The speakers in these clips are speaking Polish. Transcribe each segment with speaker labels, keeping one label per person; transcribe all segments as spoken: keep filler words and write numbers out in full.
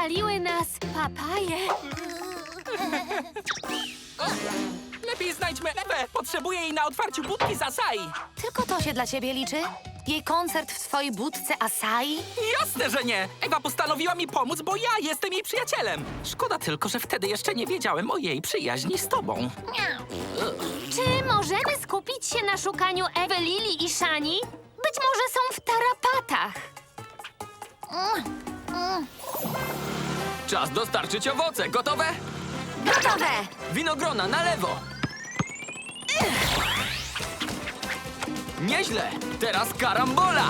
Speaker 1: ocaliły nas papaje.
Speaker 2: Lepiej znajdźmy Ewę. Potrzebuję jej na otwarciu budki z Asai.
Speaker 3: Tylko to się dla ciebie liczy? Jej koncert w twojej budce Asai?
Speaker 2: Jasne, że nie. Ewa postanowiła mi pomóc, bo ja jestem jej przyjacielem. Szkoda tylko, że wtedy jeszcze nie wiedziałem o jej przyjaźni z tobą.
Speaker 1: Czy możemy skupić się na szukaniu Ewy, Lili i Shani? Być może są w tarapatach.
Speaker 4: Czas dostarczyć owoce. Gotowe?
Speaker 3: Gotowe!
Speaker 4: Winogrona na lewo. Nieźle. Teraz karambola.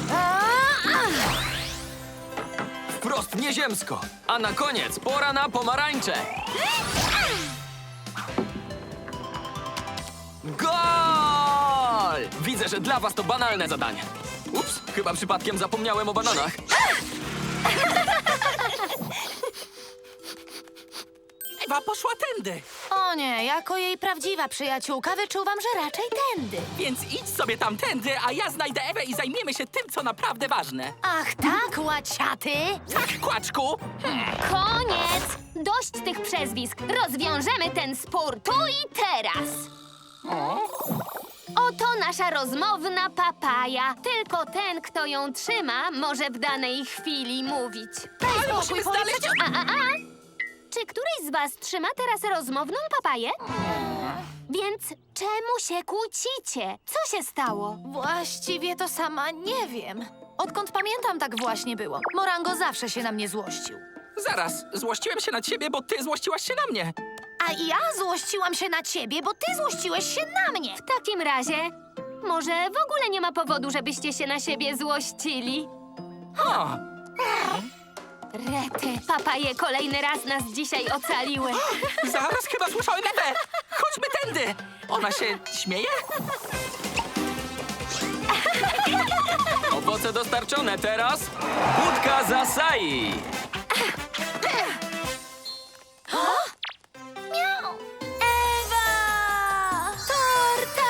Speaker 4: Wprost nieziemsko. A na koniec pora na pomarańcze. Gol! Widzę, że dla was to banalne zadanie. Ups, chyba przypadkiem zapomniałem o bananach.
Speaker 2: Ewa poszła tędy.
Speaker 3: O nie, jako jej prawdziwa przyjaciółka wyczuwam, że raczej tędy.
Speaker 2: Więc idź sobie tamtędy, a ja znajdę Ewę i zajmiemy się tym, co naprawdę ważne.
Speaker 3: Ach tak, łaciaty?
Speaker 2: Tak, kłaczku.
Speaker 1: Koniec! Dość tych przezwisk. Rozwiążemy ten spór tu i teraz. Oto nasza rozmowna papaja. Tylko ten, kto ją trzyma, może w danej chwili mówić.
Speaker 2: Ale musimy znaleźć...
Speaker 1: A, a, a! Czy któryś z was trzyma teraz rozmowną papaję? Więc czemu się kłócicie? Co się stało?
Speaker 3: Właściwie to sama nie wiem. Odkąd pamiętam, tak właśnie było. Morango zawsze się na mnie złościł.
Speaker 2: Zaraz, złościłem się na ciebie, bo ty złościłaś się na mnie.
Speaker 3: A ja złościłam się na ciebie, bo ty złościłeś się na mnie.
Speaker 1: W takim razie, może w ogóle nie ma powodu, żebyście się na siebie złościli.
Speaker 2: O,
Speaker 1: Rety, papaje kolejny raz nas dzisiaj ocaliły.
Speaker 2: zaraz chyba słyszałem Ewę. Chodźmy tędy. Ona się śmieje?
Speaker 4: Owoce dostarczone teraz. Budka z Asai.
Speaker 3: Ewa! Torta!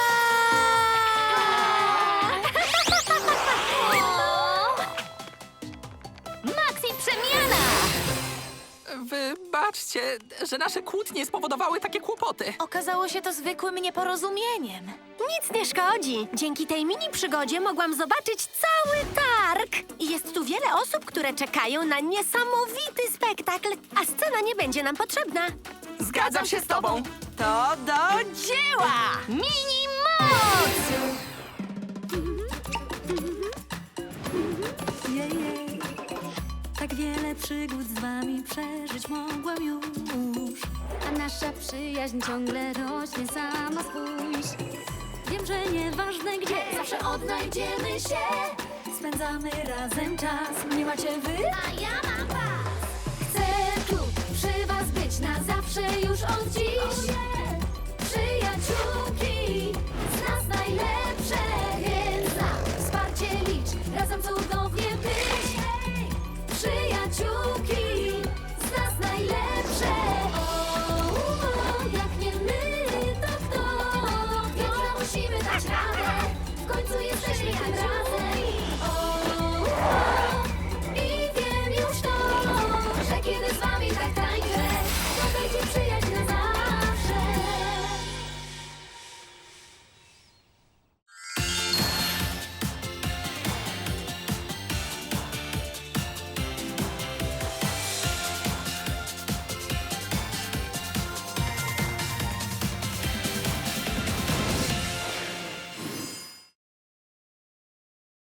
Speaker 1: Maxi przemiana!
Speaker 2: Wybaczcie, że nasze kłótnie spowodowały takie kłopoty.
Speaker 3: Okazało się to zwykłym nieporozumieniem.
Speaker 5: Nic nie szkodzi. Dzięki tej mini przygodzie mogłam zobaczyć cały targ. I jest tu wiele osób, które czekają na niesamowity spektakl, a scena nie będzie nam potrzebna.
Speaker 2: Zgadzam się z tobą.
Speaker 5: To do dzieła!
Speaker 1: Mini moc!
Speaker 6: Jej, tak wiele przygód z wami przeżyć mogłam już.
Speaker 7: A nasza przyjaźń ciągle rośnie, sama spójrz.
Speaker 6: Wiem, że nieważne gdzie, zawsze odnajdziemy się. Spędzamy razem czas, nie macie wy?
Speaker 7: A ja mam was. Chcę tu przy was być na zawsze już od dziś. Przyjaciółki, z nas najlepsze, więc na wsparcie licz, razem cudownie być. Przyjaciółki, z nas najlepsze. O, o, jak nie my, to kto? Już musimy dać radę, w końcu jesteśmy tym razem.